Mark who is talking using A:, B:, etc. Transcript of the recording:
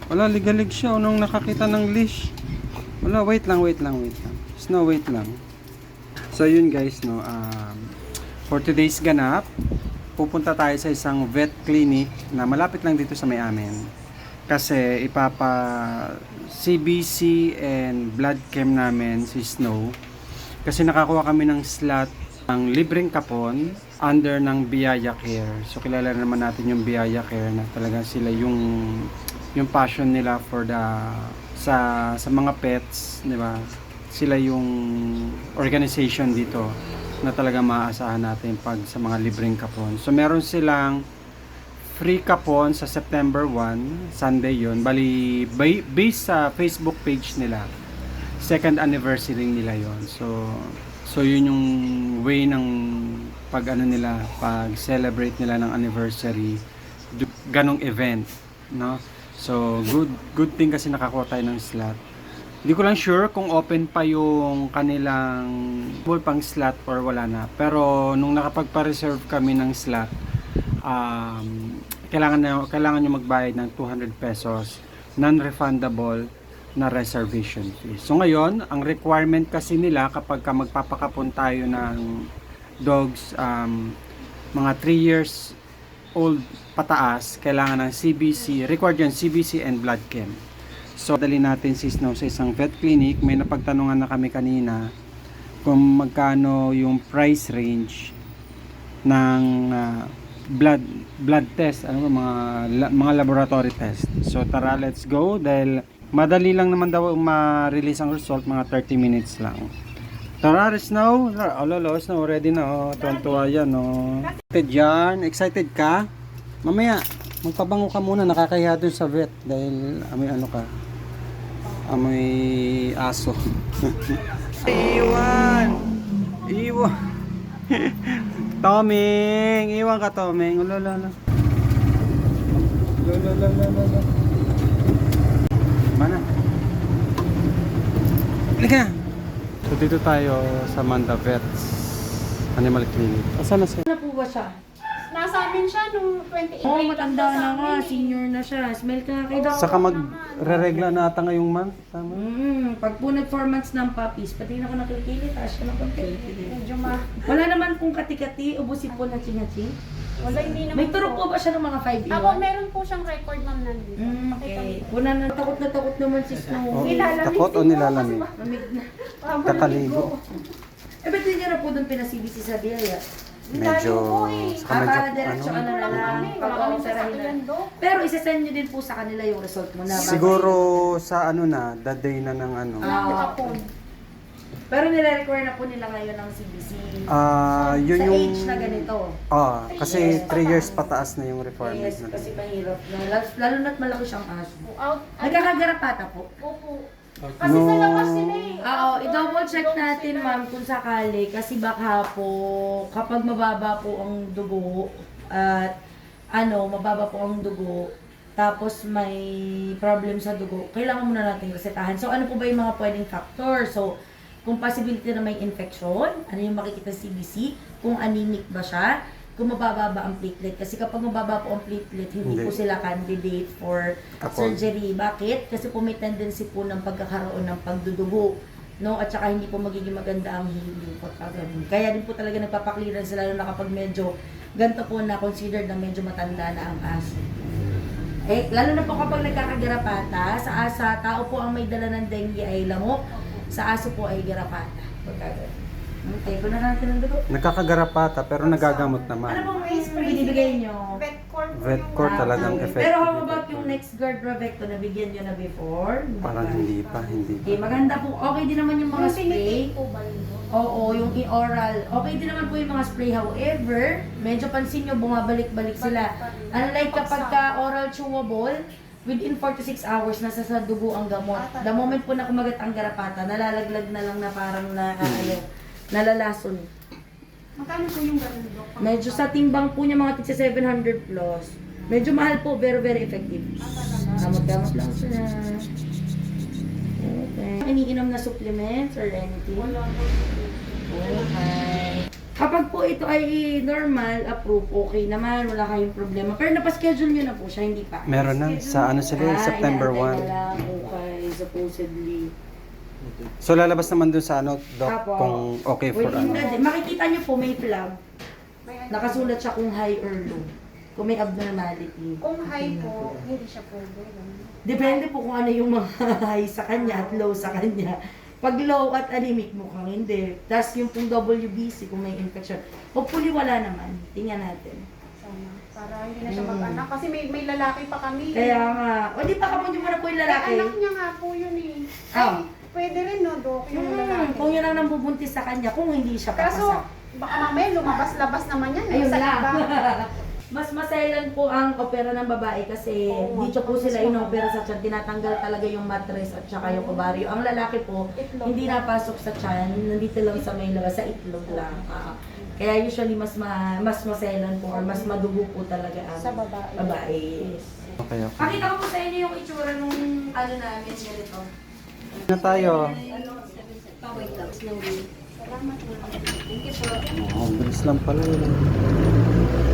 A: Wala, ligalig siya. Nung nakakita ng leash. Wala, wait lang. Snow, wait lang. So yun guys, no. For today's ganap, pupunta tayo sa isang vet clinic na malapit lang dito sa may amin. Kasi CBC and blood chem namin si Snow. Kasi nakakuha kami ng slot ng libreng kapon under ng Biyaya Care. So kilala naman natin yung Biyaya Care na talaga sila yung passion nila for sa mga pets, di ba? Sila yung organization dito na talaga maaasahan natin pag sa mga libreng kapon. So meron silang free kapon sa September 1, Sunday yun. Bali, based sa Facebook page nila, second anniversary nila yon. So yun yung way ng pag celebrate nila ng anniversary, ganong event, no? So good thing kasi nakakuha tayo ng slot. Hindi ko lang sure kung open pa yung kanilang pang slot or wala na. Pero nung nakapagpa-reserve kami ng slot, kailangan nyo magbayad ng 200 pesos non-refundable na reservation fee. So ngayon, ang requirement kasi nila kapag magpapakapon tayo ng dogs mga 3 years old pataas, kailangan ng CBC, required yun, CBC and blood chem. So dali natin si Snow sa isang vet clinic. May napagtanungan na kami kanina kung magkano yung price range ng blood test, mga laboratory test. So tara, let's go dahil madali lang naman daw ma-release ang result, mga 30 minutes lang. Tara, Snow. Snow, ready na. Tuwan-tuwa yan. Excited yan? Excited ka? Mamaya, magpabango ka muna. Nakakahiya dun sa vet dahil amoy aso. Iwan! Toming! Iwan ka, Toming. Lala. Mana? Halika! So dito tayo sa Manda Vets Animal Clinic. Asan na siya?
B: Ano po ba siya?
C: Nasa amin siya nung 28.
B: Oo, matanda na nga. Senior na siya. Smell ka kay Doc.
A: Saka magre-regla na ata ngayong month. Tama?
B: Pag po nag-4 months ng puppies, pati na ako nakikilit. Taas siya ng konti.
C: Medyo
B: Wala naman pong kati-kati. Ubusin po na chingachi.
C: Wala, hindi naman
B: May turok po ba siya ng mga 5 years?
C: Ako, meron po siyang record ma'am nandito.
B: Okay. Una na takot naman si Snow.
A: Takot o nilalamig?
B: Mamig na.
A: Kakaligo.
B: Ba't hindi niya na po doon pinasibisi sa Biyaya?
A: Medyo
B: Para diretso na lang
C: Pag-operahin
B: pag Pero isa-send nyo din po sa kanila yung result mo na.
A: siguro sa the day na ng
B: Pero nire-require na po nila ngayon ng CBC.
A: yun
B: sa
A: yung
B: age na ganito.
A: kasi 3 years pataas na yung requirement
B: Yes,
A: na.
B: kasi mahirap na. Lalo na't malaki siyang aso.
C: Out.
B: Nagkakagarapata po.
C: Opo. Kasi sa labas sila eh.
B: Oo, i-double check natin ma'am kung sakali kasi baka po kapag mababa po ang dugo at mababa po ang dugo tapos may problem sa dugo, kailangan muna natin resetahan. So ano po ba yung mga pwedeng factor? So kung possibility na may infection, ano yung makikita sa CBC, kung anemic ba siya, kung mababa ba ang platelet. Kasi kapag mababa po ang platelet, hindi po sila candidate for surgery. Bakit? Kasi po may tendency po ng pagkakaroon ng pagdudugo. No? At saka hindi po magiging maganda ang healing po. Kaya din po talaga nagpapakliran sila lalo na kapag medyo ganito po na considered na medyo matanda na ang aso. Lalo na po kapag nagkakagarapata, sa tao po ang may dala ng dengue ay lamok, sa aso po ay garapata. Okay, kung natin ang dugo.
A: Nagkakagarapata pero nagagamot naman.
B: Ano bang binibigay nyo?
A: Vetcor talagang effective.
B: Pero how about yung next guard Bravecto na bigyan nyo na before?
A: Parang hindi pa.
B: Okay, maganda po. Okay din naman yung mga spray. Oo, yung oral. Okay din naman po yung mga spray. However, medyo pansin nyo, bumabalik-balik sila. Unlike kapag ka oral chewable, within 4 to 6 hours, nasa sa dugo ang gamot. The moment po na kumagat ang garapata, nalalaglag na lang na parang nalalason.
C: Magkano po yung ganun, Dok?
B: Medyo sa timbang po niya mga tigsa 700 plus. Medyo mahal po, very very effective. Gamot-gamot lang siya. Okay. Iniinom na supplements or anything?
C: Wala po.
B: Okay. Kapag po ito ay normal, approve, okay naman, wala kayong problema. Pero napaschedule nyo na po siya, hindi pa.
A: Meron na. Sa ano sila, September
B: inaantay
A: 1.
B: na lang, okay, supposedly.
A: So lalabas naman dun sa ano, Doc,
B: Apo.
A: kung okay for
B: Within
A: ano.
B: the day. Makikita nyo po may plug.
C: May ano.
B: Nakasulat siya kung high or low. Kung may abnormality.
C: Kung high po, hindi siya pwede. ganun.
B: Depende po kung ano yung mga high sa kanya at low sa kanya. Pag low at anemic, mukhang hindi. Tapos yung pong WBC, kung may infection. Hopefully wala naman. Tingnan natin.
C: Sana. Para hindi na siya mag-anak. Kasi may lalaki pa kami.
B: Kaya nga. O di pa kapunin mo na po yung lalaki.
C: Anak niya nga po yun eh.
B: Ah.
C: Ay, pwede rin no, Dok, yung lalaki.
B: Kung yun ang nambubuntis sa kanya, kung hindi siya
C: Kaso,
B: papasa.
C: baka mamaya lumabas-labas naman yan.
B: Ayun
C: sa
B: lang.
C: iba.
B: Mas masailan po ang opera ng babae kasi
C: Oo,
B: dito po
C: mas
B: sila
C: mahaba.
B: inopera sa tiyan. Tinatanggal talaga yung mattress at saka yung ovaryo. Ang lalaki po,
C: Itlog
B: hindi
C: lang.
B: napasok sa tiyan. Nandito lang sa may labas, sa itlog lang. Kaya usually mas masailan po or mas madugo po talaga ang
C: Sa babae.
B: babae.
A: Okay, okay.
B: Pakita ko po sa inyo yung itsura nung ano namin ganito.
A: Na tayo.
C: Salamat. Thank you po.
A: Oh, bilis lang pala yun.